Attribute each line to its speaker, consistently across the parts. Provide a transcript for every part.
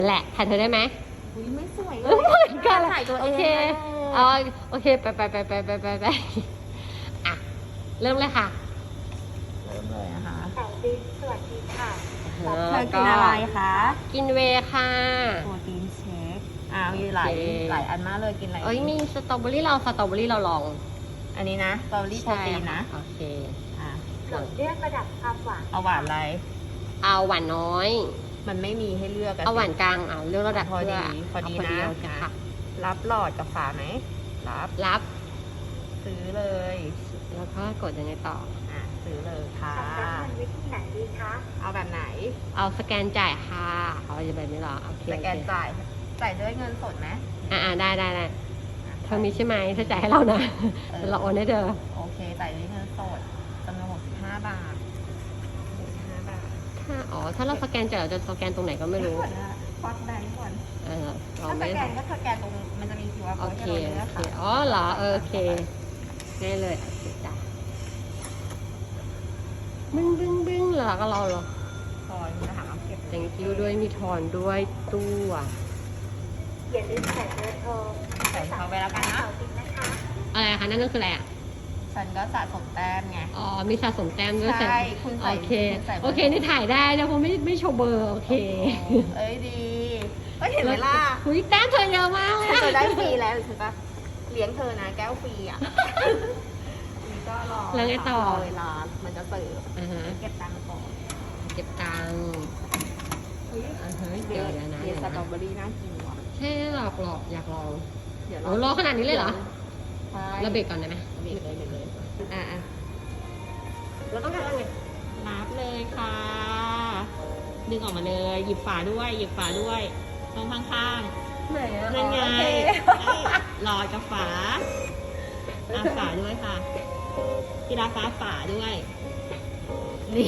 Speaker 1: แหละถ่ายเธอได้ไหม
Speaker 2: อุ้ยไม่สวยเล
Speaker 1: เหมือนกัน
Speaker 2: ถ่ายตัวเอ
Speaker 1: โอง เคเอาโอเคไปอ่ะเริ่มเลยค่ะ
Speaker 2: เริ่มเลยนะคะ
Speaker 3: สาวดินสวัสดีค่ะ
Speaker 2: เธอกินอะไรคะ
Speaker 1: กินเวย์ค่ะ
Speaker 2: โปรตีนเชคมีหลาย
Speaker 1: โอเค
Speaker 2: หลายอันมากเลยกินอะไร
Speaker 1: เอ้ยมีสตรอเบอรี่เราลอง
Speaker 2: อันนี้นะสตรอเบอรี่โปรตีนนะ
Speaker 1: โอเค
Speaker 2: อ่ะ
Speaker 3: ส่วนเลือกระดับความหวาน
Speaker 2: เอาหวานอะไร
Speaker 1: เอาหวานน้อย
Speaker 2: มันไม่มีให้เลือกะ
Speaker 1: เอาหวานกลางเอาเลือกระดับ
Speaker 2: พอดี
Speaker 1: เพื่
Speaker 2: พอดี
Speaker 1: เา
Speaker 2: นะ
Speaker 1: โอเคค่ะ
Speaker 2: รับหลอดกับฝาไหมรับ
Speaker 1: รับ
Speaker 2: ซื้อเลย
Speaker 1: แล้วก็กดยังไงต่อ
Speaker 2: ซื้อเลยค่ะ
Speaker 3: รับเงินวิธีไหนดีคะ
Speaker 2: เอาแบบไหน
Speaker 1: เอาสแกนจ่ายค่ะเอาจะแบบนี้เหรอโอเค
Speaker 2: สแกนจ่ายด้วยเงินสดไหม
Speaker 1: ได้เธอมีใช่ไหมเธอจ่ายให้เรานะเดี๋ยวเราโอนให้เธอ
Speaker 2: โอเคจ่ายด้วยเงินสดจำนวน65 บาท65 บาท
Speaker 1: ถ้าเราสแกนจ่ายเราจะสแกนตรงไหนก็ไม่รู้
Speaker 2: ควักแบงค์ก่อน
Speaker 1: เรา
Speaker 2: ถ้าส
Speaker 1: ไม่
Speaker 2: แกนก็สแกนตรงมันจะมี QR
Speaker 1: โอ
Speaker 2: code
Speaker 1: เค
Speaker 2: ให้เราเลือกค่ะ
Speaker 1: อ๋อเหรอโอเคง่ายเลยโอเคจ้ะบึ้งแล้วก็เราเหรอ
Speaker 2: คอยจะหาเก็บ
Speaker 1: thank you ด้วยมีทอนด้วยตู้อ่ะ
Speaker 3: อย่าลืมใส่เบอร์โทร
Speaker 2: ใส่เขาไปแล้วกันนะ
Speaker 3: สาวดินนะคะ
Speaker 1: อะไรคะนั่นก็คืออะไรอ่ะ
Speaker 2: ฉันก็สะสมแต้มไง
Speaker 1: อ๋อมีสะสมแต้มด้วย
Speaker 2: ใช่คุณใส่
Speaker 1: โอเค
Speaker 2: คุณใส่เบอร์
Speaker 1: โอเคนี่ถ่ายได้แล้วเพราะไม่โชว์เบอร์โอเค
Speaker 2: เอ้ยดีก็เห็นเวลา
Speaker 1: หุยแต้มเธอเยอะมากเลย
Speaker 2: ฉันจะได้ฟรีแล้วใช่ปะเลี้ยงเธอนะแก้วฟรีอ่ะนี่ก็รอ
Speaker 1: แล้วไงต่อ
Speaker 2: รเวลามันจะเสิร์ฟ
Speaker 1: อ่าฮะ
Speaker 2: เก็บตังค์ก่อน
Speaker 1: เก็บตังค์อ่าฮะเดี๋ยวนะ
Speaker 2: เดี๋ยวสตรอเบอรี่น่ากินว่ะ
Speaker 1: ใช่หลอกอยากลอง
Speaker 2: เดี๋ยว
Speaker 1: โอ้รอขนาดนี้เลยเหรอ
Speaker 2: ใช่
Speaker 1: เราเบรกก่อนได้ไหม
Speaker 2: เบรกเลย
Speaker 1: เราต้องการอะไร
Speaker 2: นับเลยค่ะ ดึงออกมาเลยหยิบฝาด้วยตรงข้าง
Speaker 1: ไหน
Speaker 2: ๆ
Speaker 1: อะ
Speaker 2: นั่นไง
Speaker 1: โอเค
Speaker 2: หลอดกับฝาฝาด้วยค่ะกีฬาฟ้าฝาด้วย นี่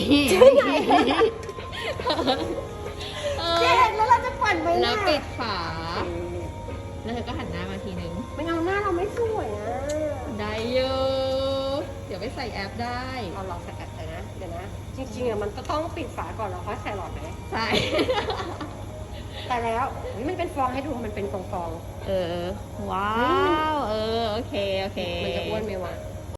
Speaker 1: เจ๊แล้วเราจะปั่นไป
Speaker 2: แล้วปิดฝา
Speaker 1: แล้
Speaker 2: แล้วเธอก็หันหน้ามาทีนึง
Speaker 1: ไม่เอาหน้าเราไม่สวยอ่ะ
Speaker 2: ได้เยอะเดี๋ยวไปใส่แอปได้
Speaker 1: เราลองใส่แอปเลยนะ เดี๋ยวนะ จริงๆอ่ะมันก็ต้องปิดฝาก่อนแล้วค่อยใส่หลอดไหม
Speaker 2: ใช่
Speaker 1: แต่แล้วอุ๊ยมันเป็นฟองให้ดูมันเป็นฟอง
Speaker 2: ว้าว โอเค
Speaker 1: ๆมันจะอ้วนไหมวะ